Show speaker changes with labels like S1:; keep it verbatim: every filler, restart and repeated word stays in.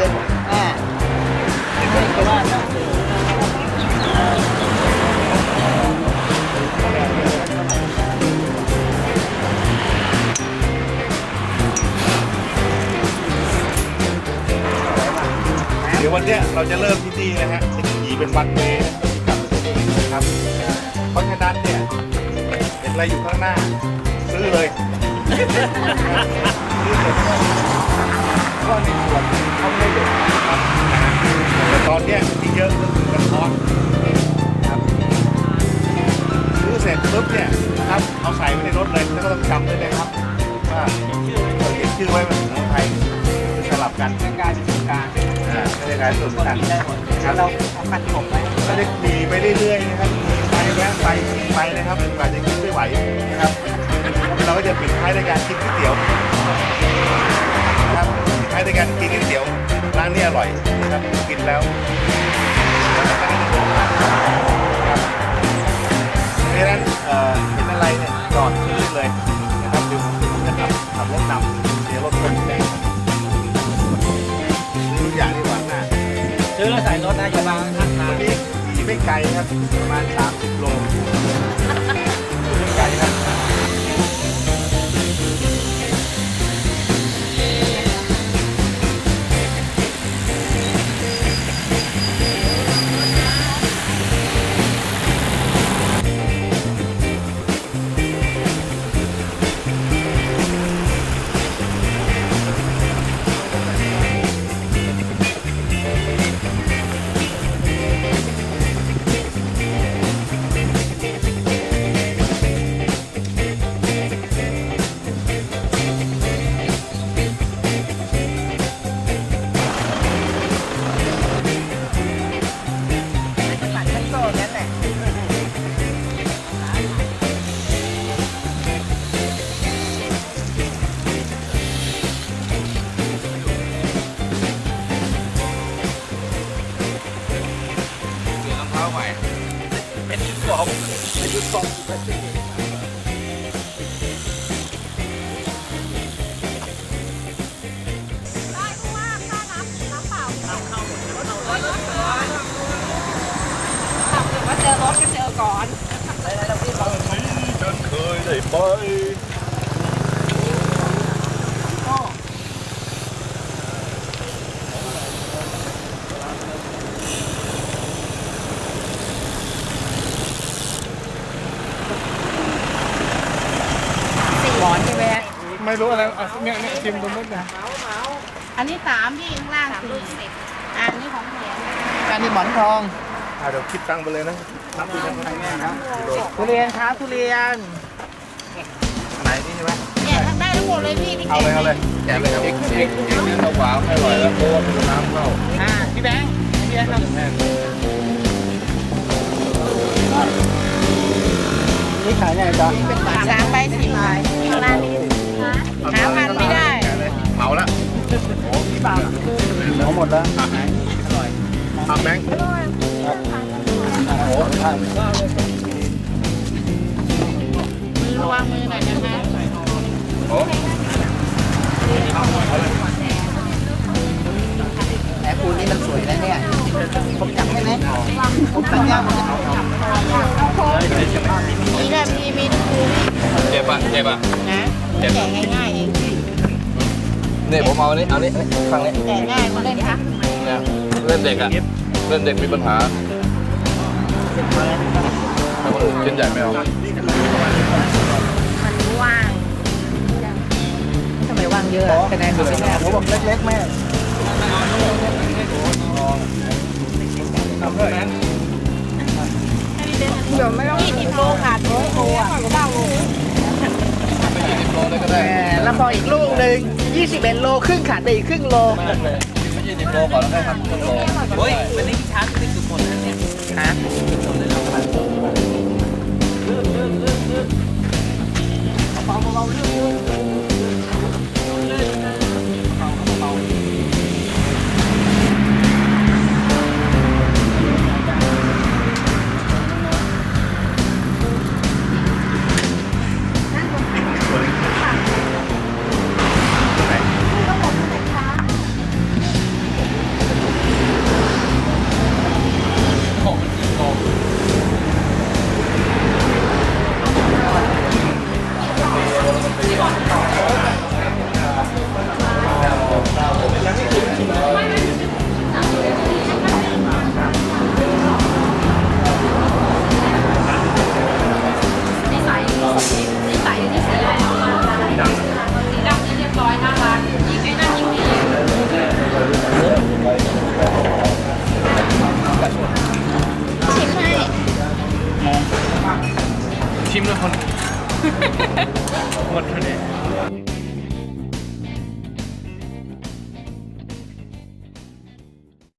S1: เลยอ่าไม่ก็ว่า
S2: เดี๋ยววันเนี้ยเราจะเริ่มที่นี่นะฮะจะขี่เป็นวันเวย์นะครับเพราะฉะนั้นเนี่ยเห็นอะไรอยู่ข้างหน้าซื้อเลยซื้อเลยเพราะว่าในขวดเขาไม่ได้เด็ดนะครับแต่ตอนเนี้ยที่เยอะก็คือกระท้อนครับซื้อเสร็จปุ๊บเนี่ยนะครับเอาใส่ไว้ในรถเลยแล้วก็ต้องจำด้วยนะครับว่าเราเขียนชื่อไว้เป็นภาษาไทยสลับกันเป็นการเป็นการอ่าเป็นการส่วนกันได้หมดครับเราทำกันผมไปก็จะขี่ไปเรื่อยๆนะครับขี่ไปแวะไปขี่ไปนะครับจนกว่าจะกินไม่ไหวนะครับเราก็จะปิดท้ายด้วยการกินก๋วยเตี๋ยวนะครับปิดท้ายด้วยการกินก๋วยเตี๋ยวร้านนี้อร่อยนะครับกินแล้วครับเพราะฉะนั้นเอ่อเห็นอะไรเนี่ยจอดซื้อเลยนะครับเดี๋ยวผมจะขับขับรถนำเดี๋ยวรถคนแดงซื้อทุกอย่างที่วางหน้า
S1: ซื้อแล้วใส่รถนะอย่าวางข้างทาง
S2: วันนี้ขี่ไม่ไกลครับประมาณสามสิบโลไม่ไกลครับ
S3: เจอรถก็เจอก่อน
S2: ฉันเคยได้ไป
S1: หมอนใช่ไหม
S2: ไม่รู้อะไรอ่ะเนี่ยเนี่ยชิมตรงนู้นนะ
S3: อันนี้สามพี่ข้างล่างสี่อ่านี่ของแถม
S1: การนี่หมอนทอง
S2: อ่ะเดี๋ยวคิดตังค์ไปเลยนะนับดูยังไงนะกิโล
S1: ทุเรียนครับทุเรียน
S2: ไหนนี่ใช่ไหม
S3: เนี่ยทำได้ทั้งหมดเลยพี่ที่
S2: เอาเลยเอาเลยแจกเลยครับเอกเอกเอกเนี่ยเราหวานไม่อร่อยแล้วโคตรน้ำเข้า
S1: อ่าพี่แบงค์พี่แบงค์ครับนี่ขายไงจ๊ะเป็นบาท
S3: สามใบสี่ใบข้างล่างนี่หาพันไม่ได้
S2: เหมาละโอ้พี่บาท
S1: เอาหมดแล้ว
S2: อร่อยทำแบงค์โอ้
S3: ระวังมือหน่อยนะคะ
S2: โอ้
S1: แหมปูนี่มันสวยนะเนี่ยผมจับให้ไหมผมจับยากผมจะเอา
S3: มีแบบมีมีทุกคืน
S2: เจ็บอ่ะเจ็บอ่ะ
S3: นะแกะง่ายๆเอง
S4: เนี่ยผมเอาอันนี้เอาอันนี้ฟังนี้
S3: แกะง่ายมาเล่นค่ะ
S4: เนี่ยเล่นเด็กอ่ะเล่นเด็กมีปัญหาแต่คนอื่นชิ้นใหญ่ไม่เอา
S3: มันว่าง
S1: ทำไมว่างเยอะอะคะแนนอยู่ที่แม่เขาบอกเล็กๆแม่
S3: เดี๋ยวไม่ต้องยี่สิบโลขาดร้อยโลอ่ะเก้าโล
S4: ไม่ยี่สิบโลได้ก็ได้
S1: แหมแล้วพออีกลูกหนึ่งยี่สิบเอ็ดโลครึ่งขาดไปอีกครึ่งโล
S4: ไม่ยี่สิบโลก่อนแล้วได้ครับครึ่งโล
S1: เฮ้ยวันนี้พี่ช้างติดสุดหมดแล้วเนี่ยฮะเบาๆเบาๆเรื่อง